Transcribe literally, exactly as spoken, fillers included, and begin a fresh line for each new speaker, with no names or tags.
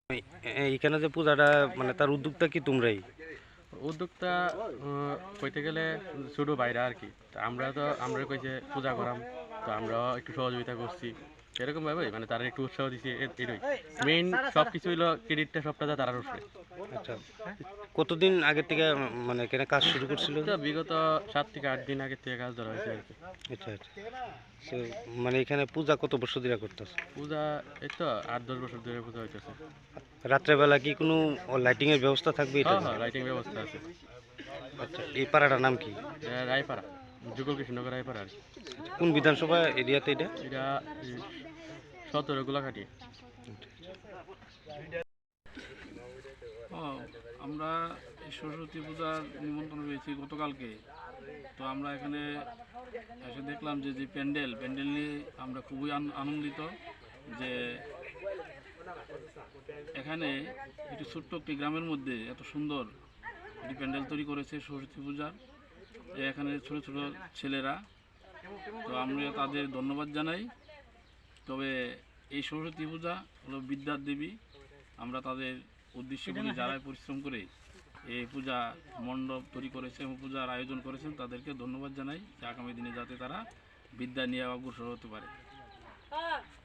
এইখানে যে পূজাটা মানে তার উদ্যোক্তা কি তোমরাই?
উদ্যোক্তা আহ, কইতে গেলে ছোট ভাইরা আর কি। তা আমরা তো আমরা কইছে পূজা করাম, তো আমরাও একটু সহযোগিতা করছি এরকম ভাবে, মানে তারা একটু উৎসাহ দিছি। এ- এটাই মেইন, সব কিছু হইলো ক্রেডিটটা সবটা তো তারার উপরে।
আচ্ছা, কতদিন আগে থেকে মানে এখানে কাজ শুরু করছিল?
তো বিগত সাত থেকে আট দিন আগে থেকে কাজ ধরা হয়েছে আর কি।
আচ্ছা আচ্ছা। তো মানে এখানে পূজা কত বছর ধরে করতেছ?
পূজা এই তো আট দশ বছর ধরে পূজা হইতেছে।
রাত্রেবেলা কি কোনো লাইটিং এর ব্যবস্থা থাকবে এটা?
হ্যাঁ হ্যাঁ, লাইটিং ব্যবস্থা আছে।
আচ্ছা, এই পাড়াটার নাম কি?
এটা রায়পাড়া, যুগল কৃষ্ণনগর রায়পাড়া আর কি।
কোন বিধানসভা এরিয়াতে এটা?
এটা সতেরো গোলাঘাটি।
ও, আমরা এই সরস্বতী পূজার নিমন্ত্রণ পেয়েছি গতকালকে। তো আমরা এখানে এসে দেখলাম যে যে প্যান্ডেল প্যান্ডেল নিয়ে আমরা খুবই আন- আনন্দিত যে এখানে একটি ছোট্ট একটি গ্রামের মধ্যে এত সুন্দর একটি প্যান্ডেল তৈরি করেছে সরস্বতী পূজার। যে এখানে ছোট ছোট ছেলেরা, তো আমরা তাদের ধন্যবাদ জানাই। তবে এই সরস্বতী পূজা হলো বিদ্যার দেবী। আমরা তাদের উদ্দেশ্য করে যারাই পরিশ্রম করে এই পূজা মণ্ডপ তৈরি করেছে এবং পূজার আয়োজন করেছেন তাদেরকে ধন্যবাদ জানাই, যে আগামী দিনে যাতে তারা বিদ্যা নিয়ে অগ্রসর হতে পারে।